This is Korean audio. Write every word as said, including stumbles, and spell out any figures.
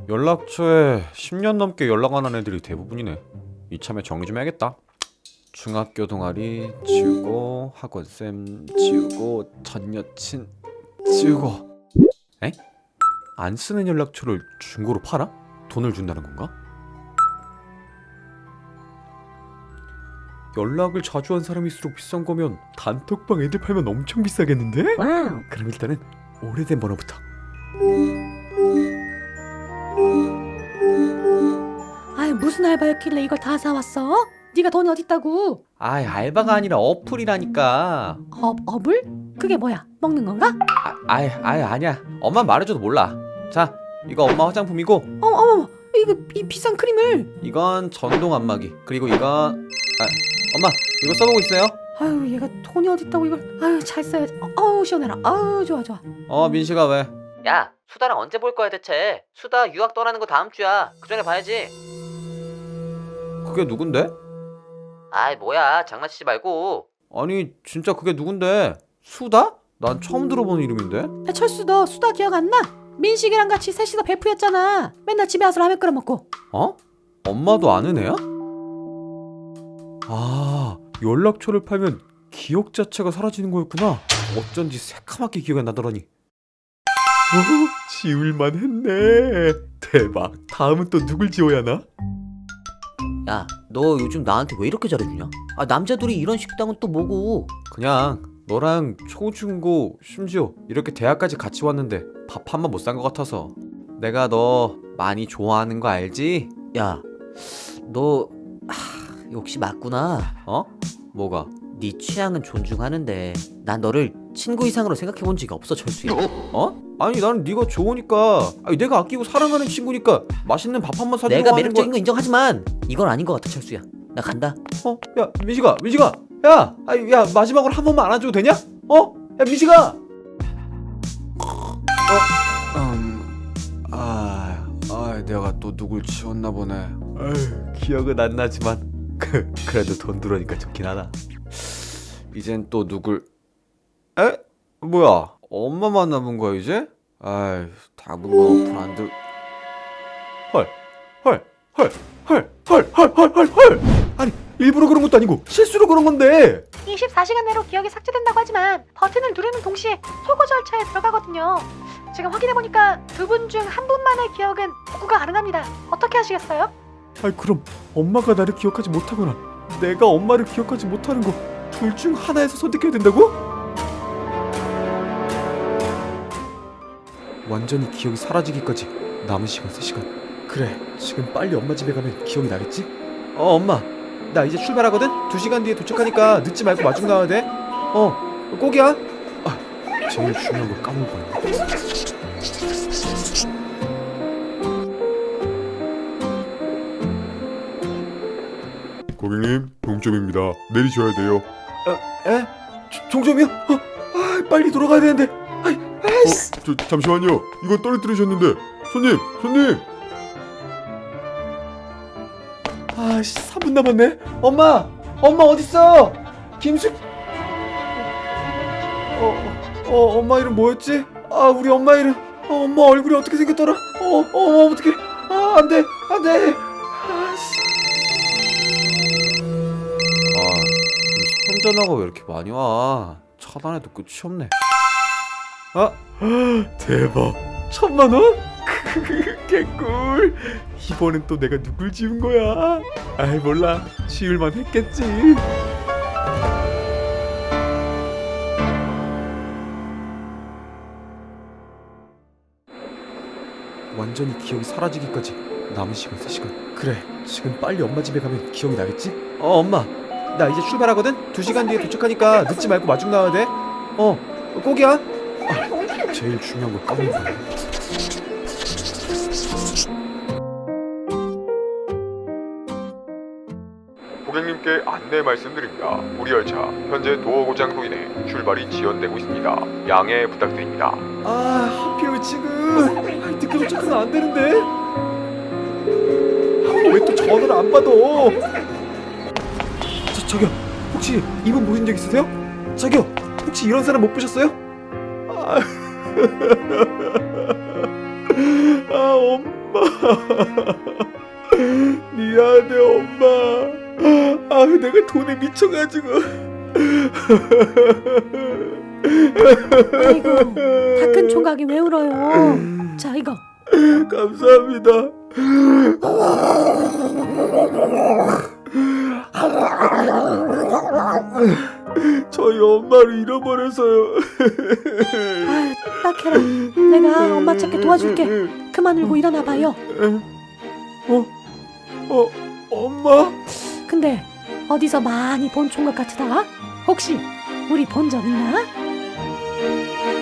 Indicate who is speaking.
Speaker 1: 연락처에 십 년 넘게 연락 안 한 애들이 대부분이네. 이참에 정리 좀 해야겠다. 중학교 동아리 지우고, 학원쌤 지우고, 전 여친 지우고. 에? 안 쓰는 연락처를 중고로 팔아? 돈을 준다는 건가? 연락을 자주 한 사람일수록 비싼 거면 단톡방 애들 팔면 엄청 비싸겠는데?
Speaker 2: 와우.
Speaker 1: 그럼 일단은 오래된 번호부터.
Speaker 2: 아이 무슨 알바였길래 이걸 다 사왔어? 네가 돈이 어딨다고?
Speaker 1: 아이, 알바가 아니라 어플이라니까.
Speaker 2: 업, 업을? 그게 뭐야? 먹는 건가?
Speaker 1: 아, 아이, 아이, 아니야. 엄마 말해줘도 몰라. 자, 이거 엄마 화장품이고,
Speaker 2: 어머 어머 이거 이 비싼 크림을.
Speaker 1: 이건 전동 안마기. 그리고 이건 아, 엄마 이거 써보고 있어요?
Speaker 2: 아유 얘가 돈이 어딨다고 이걸. 아유 잘 써야지. 어, 어우 시원해라. 아유 좋아 좋아.
Speaker 1: 어, 민식아 왜?
Speaker 3: 야, 수다랑 언제 볼 거야 대체? 수다 유학 떠나는 거 다음 주야. 그 전에 봐야지.
Speaker 1: 그게 누군데?
Speaker 3: 아이 뭐야, 장난치지 말고.
Speaker 1: 아니 진짜 그게 누군데? 수다? 난 처음 들어보는 이름인데?
Speaker 2: 야 철수 너 수다 기억 안 나? 민식이랑 같이 셋이서 베프였잖아. 맨날 집에 와서 라면 끓여 먹고.
Speaker 1: 어? 엄마도 아는 애야? 아, 연락처를 팔면 기억 자체가 사라지는 거였구나. 어쩐지 새카맣게 기억이 안 나더라니. 오, 지울만 했네. 대박. 다음은 또 누굴 지워야 하나?
Speaker 3: 야, 너 요즘 나한테 왜 이렇게 잘해주냐? 아, 남자들이 이런 식당은 또 뭐고?
Speaker 1: 그냥 너랑 초중고 심지어 이렇게 대학까지 같이 왔는데 밥 한 번 못 산 것 같아서. 내가 너 많이 좋아하는 거 알지?
Speaker 3: 야, 너 하, 역시 맞구나.
Speaker 1: 어? 뭐가?
Speaker 3: 네 취향은 존중하는데 난 너를 친구 이상으로 생각해본 적이 없어, 철수야.
Speaker 1: 어? 아니 나는 네가 좋으니까, 아니 내가 아끼고 사랑하는 친구니까 맛있는 밥 한 번 사주고
Speaker 3: 내가
Speaker 1: 하는
Speaker 3: 매력적인
Speaker 1: 거.
Speaker 3: 거 인정하지만 이건 아닌 것 같아, 철수야. 나 간다.
Speaker 1: 어? 야 민식아, 민식아, 야, 아니 야 마지막으로 한 번만 안아줘도 되냐? 어? 야 민식아. 어? 음, 아, 아 내가 또 누굴 지웠나 보네. 아유, 기억은 안 나지만 그 그래도 돈 들어오니까 좋긴 하다. 이젠 또 누굴? 에? 뭐야? 엄마만 남은 거야 이제? 아이, 당분간 어플 안 들. 헐, 헐, 헐, 헐, 헐, 헐, 헐, 헐, 헐. 아니 일부러 그런 것도 아니고 실수로 그런 건데.
Speaker 2: 이십사 시간 내로 기억이 삭제된다고 하지만 버튼을 누르는 동시에 소거 절차에 들어가거든요. 지금 확인해보니까 두 분 중 한 분만의 기억은 복구가 가능합니다. 어떻게 하시겠어요?
Speaker 1: 아니 그럼 엄마가 나를 기억하지 못하거나 내가 엄마를 기억하지 못하는 거 둘 중 하나에서 선택해야 된다고? 완전히 기억이 사라지기까지 남은 시간 세 시간. 그래, 지금 빨리 엄마 집에 가면 기억이 나겠지? 어, 엄마 나 이제 출발하거든? 두 시간 뒤에 도착하니까 늦지 말고 마중 나와야 돼. 어, 꼭이야. 아, 제일 중요한 걸 까먹을 뻔했네.
Speaker 4: 고객님, 동점입니다. 내리셔야 돼요.
Speaker 1: 에? 조- 종점이요? 어, 아, 빨리 돌아가야 되는데. 아이, 아이씨.
Speaker 4: 어, 저 잠시만요. 이거 떨어뜨리셨는데. 손님, 손님.
Speaker 1: 아씨, 삼 분 남았네. 엄마, 엄마 어딨어? 김숙. 어, 어, 어, 엄마 이름 뭐였지? 아, 우리 엄마 이름. 어, 엄마 얼굴이 어떻게 생겼더라? 어, 어, 어떻게? 아, 안 돼, 안 돼. 아씨. 아, 요즘 스팸 전화가 왜 이렇게 많이 와? 차단해도 끝이 없네. 아, 대박. 천만 원? 개꿀. 이번엔 또 내가 누굴 지운 거야? 아이 몰라, 지울만 했겠지. 완전히 기억이 사라지기까지 남은 시간 세 시간. 그래, 지금 빨리 엄마 집에 가면 기억이 나겠지? 어, 엄마 나 이제 출발하거든? 두 시간 뒤에 도착하니까 늦지 말고 마중 나와야 돼. 어, 꼭이야. 아, 제일 중요한 걸 까먹은 거야.
Speaker 4: 고객님께 안내 말씀드립니다. 우리 열차 현재 도어 고장으로 인해 출발이 지연되고 있습니다. 양해 부탁드립니다.
Speaker 1: 아, 하필 왜 지금? 아, 늦게 도착하면 안 되는데. 아, 왜 또 전화를 안 받아? 저, 저기요, 혹시 이분 보신 적 있으세요? 저기요, 혹시 이런 사람 못 보셨어요? 아, 아 엄마. 엄마. 미안해 엄마. 아 내가 돈에 미쳐가지고.
Speaker 2: 아이고, 다 큰 총각이 왜 울어요? 자, 이거.
Speaker 1: 감사합니다. 저희 엄마를 잃어버려서요.
Speaker 2: 아유, 딱해라. 내가 엄마 찾게 도와줄게. 그만 울고 일어나 봐요.
Speaker 1: 어? 어? 엄마?
Speaker 2: 근데 어디서 많이 본 총각 같으다? 혹시 우리 본 적 있나?